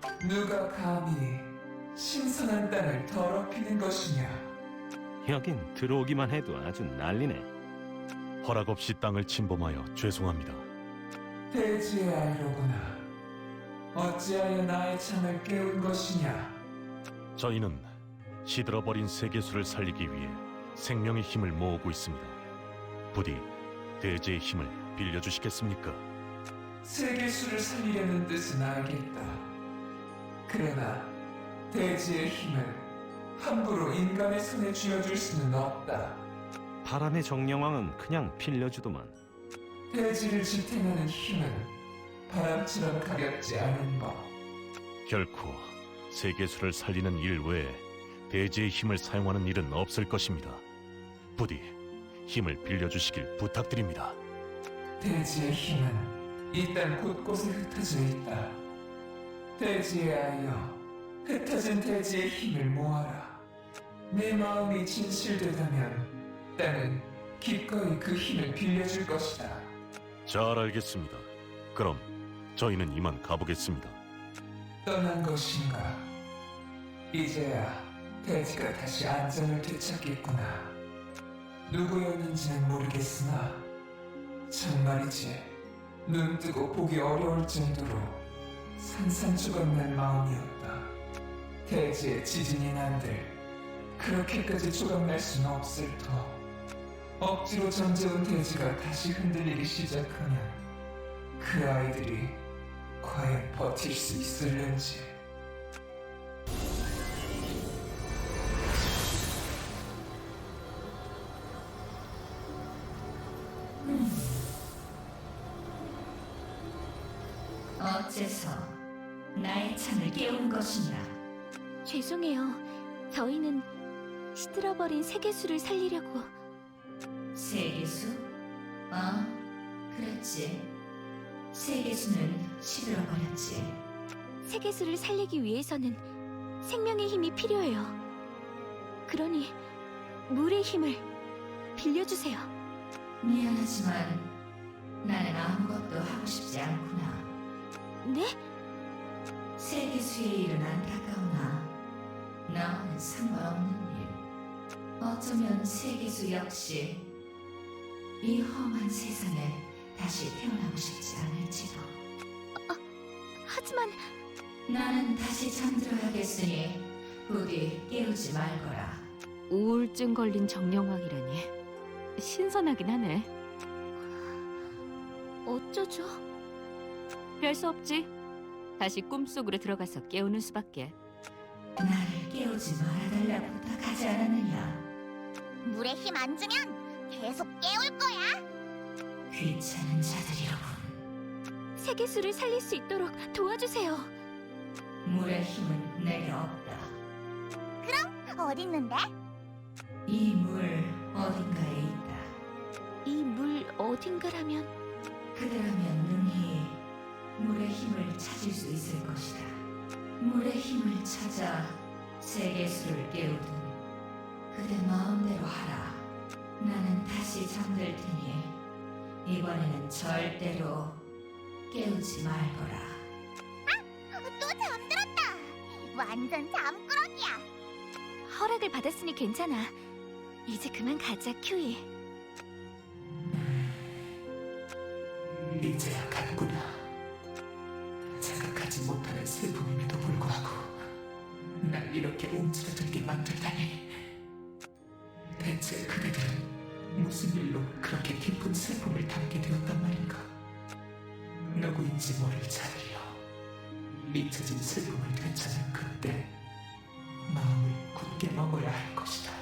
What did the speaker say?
누가 감히 신선한 땅을 더럽히는 것이냐? 여긴 들어오기만 해도 아주 난리네. 허락 없이 땅을 침범하여 죄송합니다. 대지의 아이로구나. 어찌하여 나의 창을 깨운 것이냐? 저희는 시들어버린 세계수를 살리기 위해 생명의 힘을 모으고 있습니다. 부디 대지의 힘을 빌려주시겠습니까? 세계수를 살리려는 뜻은 알겠다. 그러나 대지의 힘을 함부로 인간의 손에 쥐어줄 수는 없다. 바람의 정령왕은 그냥 빌려주더만. 대지를 지탱하는 힘은 바람처럼 가볍지 않은 법. 결코 세계수를 살리는 일 외에 대지의 힘을 사용하는 일은 없을 것입니다. 부디 힘을 빌려주시길 부탁드립니다. 대지의 힘은 이 땅 곳곳에 흩어져 있다. 대지의 아이여, 흩어진 대지의 힘을 모아라. 내 마음이 진실되다면 땅은 기꺼이 그 힘을 빌려줄 것이다. 잘 알겠습니다. 그럼 저희는 이만 가보겠습니다. 떠난 것인가? 이제야 대지가 다시 안전을 되찾겠구나. 누구였는지는 모르겠으나 정말이지 눈 뜨고 보기 어려울 정도로 산산조각난 마음이었다. 대지의 지진이 난들 그렇게까지 조각날 수는 없을 터. 억지로 잠재운 대지가 다시 흔들리기 시작하면 그 아이들이 과연 버틸 수 있을는지. 어째서 나의 창을 깨운 것이냐? 죄송해요. 저희는 시들어버린 세계수를 살리려고. 세계수? 그랬지. 세계수는 시들어버렸지. 세계수를 살리기 위해서는 생명의 힘이 필요해요. 그러니 물의 힘을 빌려주세요. 미안하지만 나는 아무것도 하고 싶지 않구나. 네? 세계수의 일은 안타까우나 나와는 상관없는 일. 어쩌면 세계수 역시 이 험한 세상에 다시 태어나고 싶지 않을지도. 하지만 나는 다시 잠들어야겠으니 부디 깨우지 말거라. 우울증 걸린 정령왕이라니 신선하긴 하네. 어쩌죠? 별 수 없지. 다시 꿈속으로 들어가서 깨우는 수밖에. 나를 깨우지 말아달라고 부탁하지 않았느냐? 물에 힘 안 주면 계속 깨울 거야. 귀찮은 자들이로군. 세계수를 살릴 수 있도록 도와주세요. 물의 힘은 내게 없다. 어딨는데? 이 물 어딘가에 있다. 이 물 어딘가라면 그대라면 능히 물의 힘을 찾을 수 있을 것이다. 물의 힘을 찾아 세계수를 깨우든 그대 마음대로 하라. 나는 다시 잠들 테니 이번에는 절대로 깨우지 말거라. 또 잠들었다. 완전 잠꾸러기야. 허락을 받았으니 괜찮아. 이제 그만 가자, 큐이. 이제야 갔구나. 생각하지 못하는 슬픔임에도 불구하고 날 이렇게 움츠러들게 만들다니. 대체 그대들은 무슨 일로 그렇게 깊은 슬픔을 담게 되었단 말인가? 누구인지 모를 자들이여, 잊혀진 슬픔을 되찾는 그때 마음을 굳게 먹어야 할 것이다.